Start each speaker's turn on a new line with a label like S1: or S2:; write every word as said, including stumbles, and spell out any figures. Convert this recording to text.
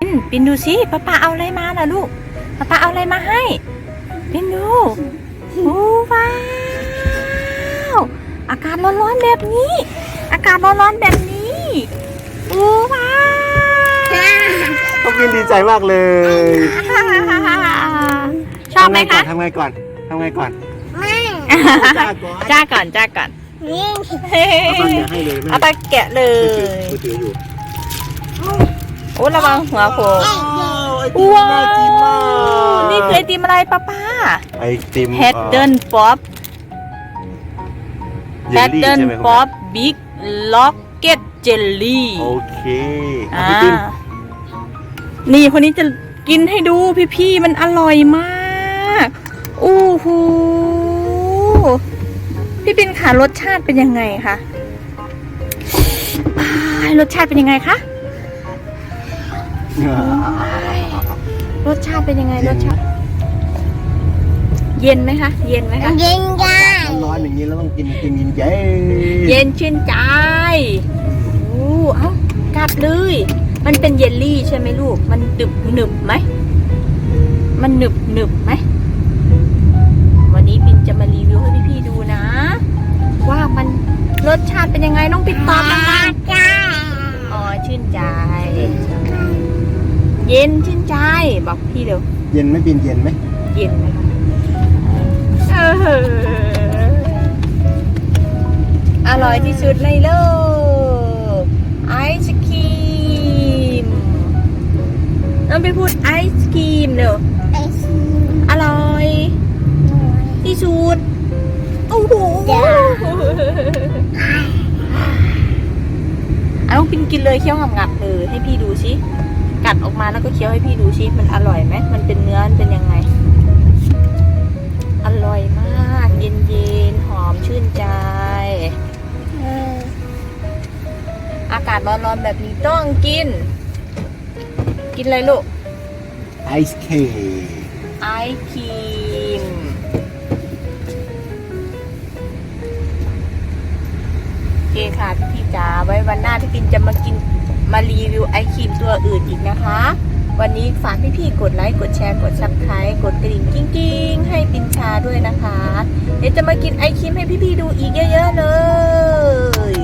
S1: ปินดูสิป้าป้าเอาอะไรมาล่ะลูกป้าป้าเอาอะไรมาให้ปินดูโอ้ว้าวอากาศร้อนๆแบบนี้อากาศร้อนๆแบบนี้โอ้ว้าว
S2: ต้องกินดีใจมากเลย
S1: ชอบไหมคะ
S2: ทำไงก่อนทำไงก่อน
S3: ไม่
S2: จ้าก่อน
S1: จ้าก่อนจ้าก่อน
S3: นี่
S2: เอาไปแกะให้เลยแม่
S1: เอาไปแกะเลย
S2: มือถืออยู่
S1: โอ้ระวังหัวโผล่
S2: ว้าวไอติมน่ากินมาก
S1: นี่คือไอติมอะไรป้าป้า
S2: ไอติม
S1: แพดเดิลป๊อปแพดเดิลป๊อปบิ๊กล็อกเก็ตเจลลี่
S2: โอเค
S1: อ่านี่คนนี้จะกินให้ดูพี่ๆมันอร่อยมากอู้หูพี่ปินค่ะรสชาติเป็นยังไงคะรสชาติเป็นยังไงคะรสชาติเป็นยังไงรสชาติเย็นไหมคะเย็นไหมคะ
S3: เย็นได้
S2: ร้อนอย่างนี้แล้วต้องกินไอติมเย็นเย็น
S1: เย็นชื่นใจโอ้เอ้ากัดเลยมันเป็นเยลลี่ใช่ไหมลูกมันหนึบหนึบไหมมันหนึบหนึบไหมวันนี้ปินจะมารีวิวให้พี่ๆดูนะว่ามันรสชาติเป็นยังไงน้องปินตอบนะคะ
S3: จ้า
S1: อ๋อชื่นใจ เย็นชื่นใจบอกพี่เร็ว
S2: เย็นไหมปินเย็นไหม
S1: เย็นไหมคะเอออร่อยที่สุดในโลกไอศครีมน้องไปพูดไอศครีมเร็ว
S3: ไอซี
S1: อร่อยที่สุดโอ้โหเอาปินกินเลยเคี้ยวงับๆเลยให้พี่ดูสิกัดออกมาแล้วก็เคี้ยวให้พี่ดูสิมันอร่อยไหมมันเป็นเนื้อมันเป็นยังไงอร่อยมากเย็นๆหอมชื่นใจอากาศร้อนๆแบบนี้ต้องกินกินอะไรลูก
S2: ไอศครีม
S1: ไอครีมโอเคค่ะพี่จ๋าไว้วันหน้าพี่ปินจะมากินมารีวิวไอครีมตัวอื่นอีกนะคะวันนี้ฝากพี่ๆกดไลค์กดแชร์กดซับสไครต์กดกระดิ่งกิ้งๆให้ปินชาด้วยนะคะเดี๋ยวจะมากินไอครีมให้พี่ๆดูอีกเยอะๆเลย